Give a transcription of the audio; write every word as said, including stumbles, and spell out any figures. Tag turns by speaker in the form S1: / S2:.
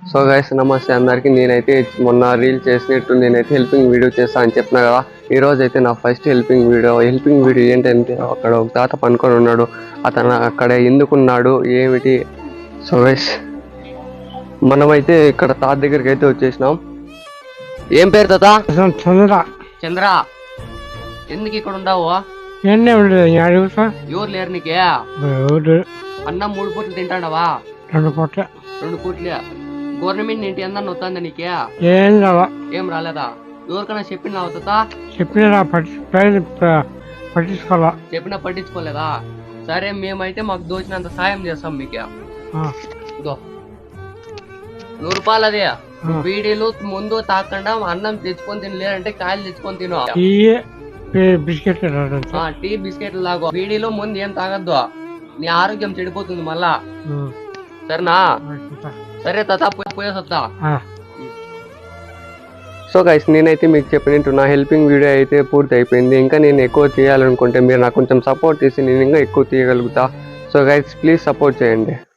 S1: So guys నమస్తే అందరికి. నేనైతే మొన్న రీల్ చేసినట్టు నేనైతే హెల్పింగ్ వీడియో చేస్తా అని చెప్పినా కదా. ఈ రోజు అయితే నా first helping video. Helping video ఏంటంటే అక్కడ ఒక తాత పనుకొని ఉన్నాడు. అతను అక్కడ ఎందుకున్నాడు ఏమిటి. సో గైస్ మనమైతే ఇక్కడ తాత దగ్గరికి అయితే వచ్చేసినాం. ఏం పేరు తాత?
S2: చంద్ర.
S1: చంద్ర, ఎందుకు ఇక్కడ ఉండవు?
S2: ఎన్నే ఉండదు.
S1: ఎవరు లేరు నీకే? అన్నం మూడు పూట్లు తింటాడవా?
S2: రెండు పూట్ల.
S1: రెండు పూట్లే. గవర్నమెంట్ ఇంటి అందరిని వస్తుందా నీకే?
S2: ఏం రావా.
S1: ఏం రాలేదా? ఎవరికైనా చెప్పినావు తాత?
S2: చెప్పిన పట్టించుకోవాలా.
S1: చెప్పినా పట్టించుకోలేదా? సరే మేమైతే మాకు దోచినంత సాయం చేస్తాం మీకే. నూరు రూపాయలు అదే. బీడీలు ముందు తాకుండా అన్నం తెచ్చుకొని తినలేదంటే కాయలు తెచ్చుకొని తిను.
S2: బిస్కెట్
S1: టీ బిస్కెట్లు లాగో. బీడీలో ముందు ఏం తాగద్దు, నీ ఆరోగ్యం చెడిపోతుంది మళ్ళా. సరేనా? సరే తాత పోయేసొద్దా. సో గైస్ నేనైతే మీకు చెప్పినట్టు నా హెల్పింగ్ వీడియో అయితే పూర్తి అయిపోయింది. ఇంకా నేను ఎక్కువ తీయాలనుకుంటే మీరు నాకు కొంచెం సపోర్ట్ చేసి నేను ఇంకా ఎక్కువ తీయగలుగుతా. సో గైస్ ప్లీజ్ సపోర్ట్ చేయండి.